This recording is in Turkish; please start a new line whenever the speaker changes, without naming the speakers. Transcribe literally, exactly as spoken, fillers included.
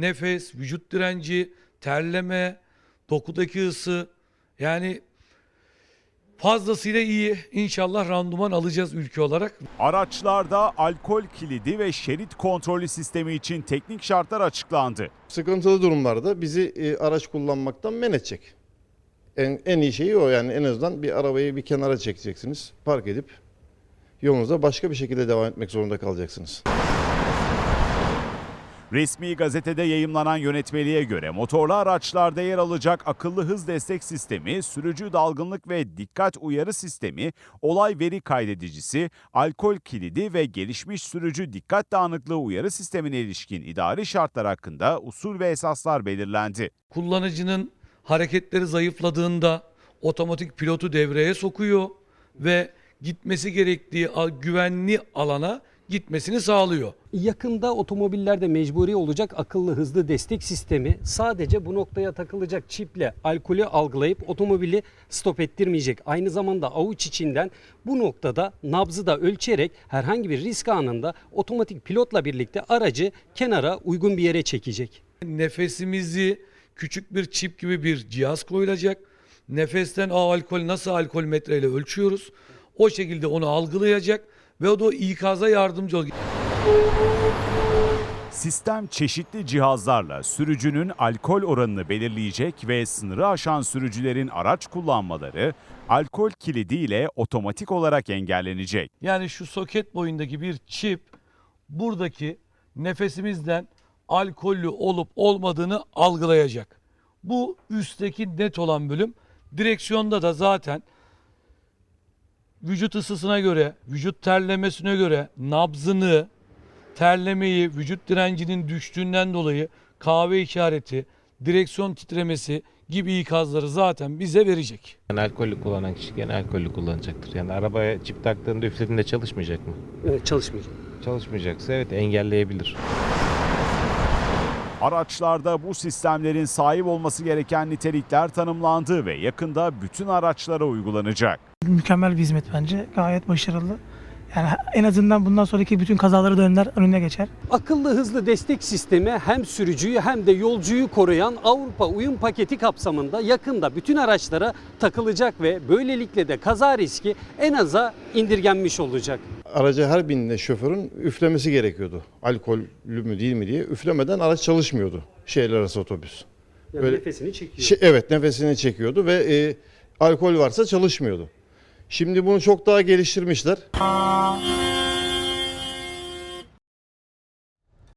nefes, vücut direnci, terleme, dokudaki ısı, yani fazlasıyla iyi. İnşallah randıman alacağız ülke olarak.
Araçlarda alkol kilidi ve şerit kontrolü sistemi için teknik şartlar açıklandı.
Sıkıntılı durumlarda bizi e, araç kullanmaktan men edecek. En, en iyi şeyi o, yani en azından bir arabayı bir kenara çekeceksiniz. Park edip yolunuza başka bir şekilde devam etmek zorunda kalacaksınız.
Resmi gazetede yayımlanan yönetmeliğe göre motorlu araçlarda yer alacak akıllı hız destek sistemi, sürücü dalgınlık ve dikkat uyarı sistemi, olay veri kaydedicisi, alkol kilidi ve gelişmiş sürücü dikkat dağınıklığı uyarı sistemine ilişkin idari şartlar hakkında usul ve esaslar belirlendi.
Kullanıcının hareketleri zayıfladığında otomatik pilotu devreye sokuyor ve gitmesi gerektiği güvenli alana gitmesini sağlıyor.
Yakında otomobillerde mecburi olacak akıllı hızlı destek sistemi sadece bu noktaya takılacak çiple alkolü algılayıp otomobili stop ettirmeyecek. Aynı zamanda avuç içinden bu noktada nabzı da ölçerek herhangi bir risk anında otomatik pilotla birlikte aracı kenara uygun bir yere çekecek.
Nefesimizi küçük bir çip gibi bir cihaz koyulacak. Nefesten a alkol nasıl alkol metreyle ölçüyoruz. O şekilde onu algılayacak ve o da ikaza yardımcı olacak.
Sistem çeşitli cihazlarla sürücünün alkol oranını belirleyecek ve sınırı aşan sürücülerin araç kullanmaları alkol kilidi ile otomatik olarak engellenecek.
Yani şu soket boyundaki bir çip buradaki nefesimizden alkollü olup olmadığını algılayacak. Bu üstteki net olan bölüm. Direksiyonda da zaten vücut ısısına göre, vücut terlemesine göre nabzını, terlemeyi, vücut direncinin düştüğünden dolayı kahve işareti, direksiyon titremesi gibi ikazları zaten bize verecek.
Yani alkollü kullanan kişi gene alkollü kullanacaktır. Yani arabaya çip taktığında üflediğinde çalışmayacak mı?
Evet, çalışmayacak.
Çalışmayacaksa evet engelleyebilir.
Araçlarda bu sistemlerin sahip olması gereken nitelikler tanımlandı ve yakında bütün araçlara uygulanacak.
Mükemmel bir hizmet bence. Gayet başarılı. Yani en azından bundan sonraki bütün kazaları da önler, önüne geçer.
Akıllı hızlı destek sistemi hem sürücüyü hem de yolcuyu koruyan Avrupa uyum paketi kapsamında yakında bütün araçlara takılacak ve böylelikle de kaza riski en aza indirgenmiş olacak.
Araca her bindiğinde şoförün üflemesi gerekiyordu. Alkollü mü değil mi diye. Üflemeden araç çalışmıyordu şehirler arası otobüs.
Yani
Böyle,
nefesini çekiyor.
Şey, evet, nefesini çekiyordu ve e, alkol varsa çalışmıyordu. Şimdi bunu çok daha geliştirmişler.